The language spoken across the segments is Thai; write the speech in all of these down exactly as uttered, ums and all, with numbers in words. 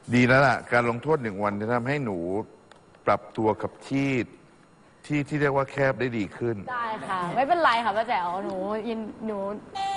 ดีแล้วล่ะการลงโทษหนึ่งวันจะทำให้หนูปรับตัวกับที่ที่ที่เรียกว่าแคบได้ดีขึ้นได้ค่ะไม่เป็นไรค่ะป้าแจ๋วหนูยินหนู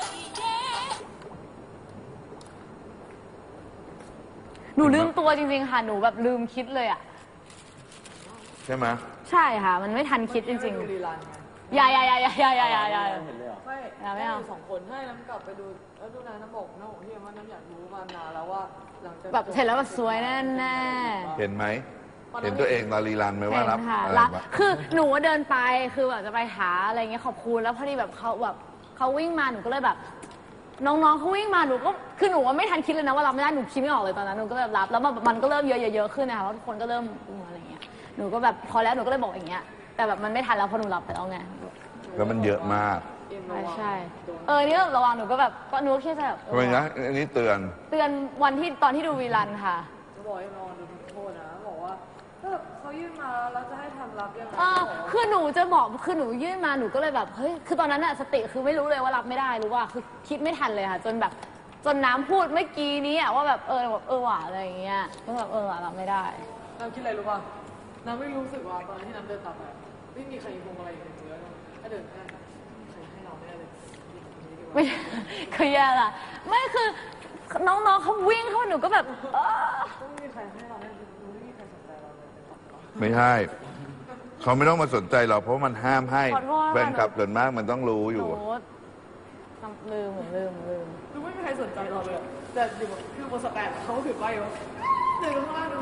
หนูลืมตัวจริงๆค่ะหนูแบบลืมคิดเลยอ่ะใช่ไหมใช่ค่ะมันไม่ทันคิดจริงๆอย่าอย่าอย่าอย่าอย่าอย่าอย่าอย่าไม่ไม่เอาสองคนให้น้ำกลับไปดูแล้วดูนะน้ำบอกน้ำบอกที่ว่าน้ำอยากรู้มานานแล้วว่าหลังจากแบบเห็นแล้วแบบสวยแน่แน่เห็นไหมเห็นตัวเองตอนรีรันไหมว่ารับอะไรรับคือหนูเดินไปคือแบบจะไปหาอะไรเงี้ยขอบคุณแล้วพอดีแบบเขาแบบเขาวิ่งมาหนูก็เลยแบบน้องๆเขาวิ่งมาหนูก็คือหนูว่าไม่ทันคิดเลยนะว่ารับไม่ได้หนูคิดไม่ออกเลยตอนนั้นหนูก็แบบรับแล้วมันก็เริ่มเยอะๆขึ้นนะคะว่าทุกคนก็เริ่มอะไรเงี้ยหนูก็แบบพอแล้วหนูก็เลยบอกอย่างเงี้ยแต่แบบมันไม่ทันแล้วพอหนูรับไปแล้วไงแล้วมันเยอะมากใช่ใช่เออนี่ระวังหนูก็แบบก็หนูแค่แบบทำไมนะอันนี้เตือนเตือนวันที่ตอนที่ดูวีรันค่ะจะบอกให้นอนดูโทษนะบอกว่าถ้าเขายื่นมาแล้วจะให้ทำรับยังไงคือหนูจะบอกคือหนูยื่นมาหนูก็เลยแบบเฮ้ยคือตอนนั้นอะสติคือไม่รู้เลยว่ารับไม่ได้รู้ว่าคือคิดไม่ทันเลยค่ะจนแบบจนน้ำพูดเมื่อกี้นี้อะว่าแบบเออแบบเออว่ะอะไรอย่างเงี้ยก็แบบเออรับไม่ได้น้ำคิดอะไรรู้ป่ะน้ำไม่รู้สึกว่าตอนที่น้ำเดินตัดไปไม่มีใครพวงอะไรอย่างเงี้ยถ้าเดินแค่ใครให้เราแน่เลยไม่คือแย่ละไม่คือน้องๆเขาวิ่งเข้าหนูก็แบบไม่มีใครให้เราแน่ไม่มีใครสนใจเราเลยไม่ใช่เขาไม่ต้องมาสนใจเราเพราะมันห้ามให้แฟนคลับส่วนมากมันต้องรู้อยู่ลืมลืมลืมคือไม่มีใครสนใจเราเลยแต่อยู่คือบนสแตนเขาถือป้ายว่าเดินข้างล่างนู้น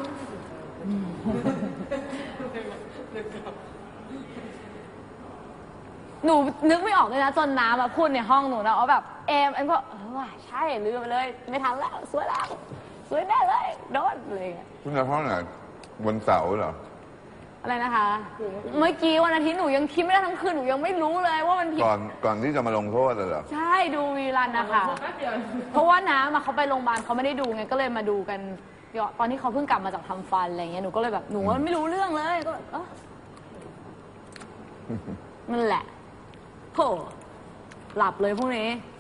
หนูนึกไม่ออกเลยนะจนน้ำมาพูดในห้องหนูนะว่าแบบเอมเอ็มก็เออว่ะใช่ลืมไปเลยไม่ทันแล้วสวยแล้วสวยแน่เลยโดนเลยคุณในห้องไหนวันเสาร์เหรออะไรนะคะเมื่อกี้วันอาทิตย์หนูยังคิดไม่ได้ทั้งคืนหนูยังไม่รู้เลยว่ามันผิดก่อนก่อนที่จะมาลงโทษเลยเหรอใช่ดูวีรันนะคะเพราะว่าน้ำมาเขาไปโรงพยาบาลเขาไม่ได้ดูไงก็เลยมาดูกันตอนที่เขาเพิ่งกลับมาจากทำฟันอะไรเงี้ยหนูก็เลยแบบหนูไม่รู้เรื่องเลยก็เออนั่นแหละโหหลับเลยพวกนี้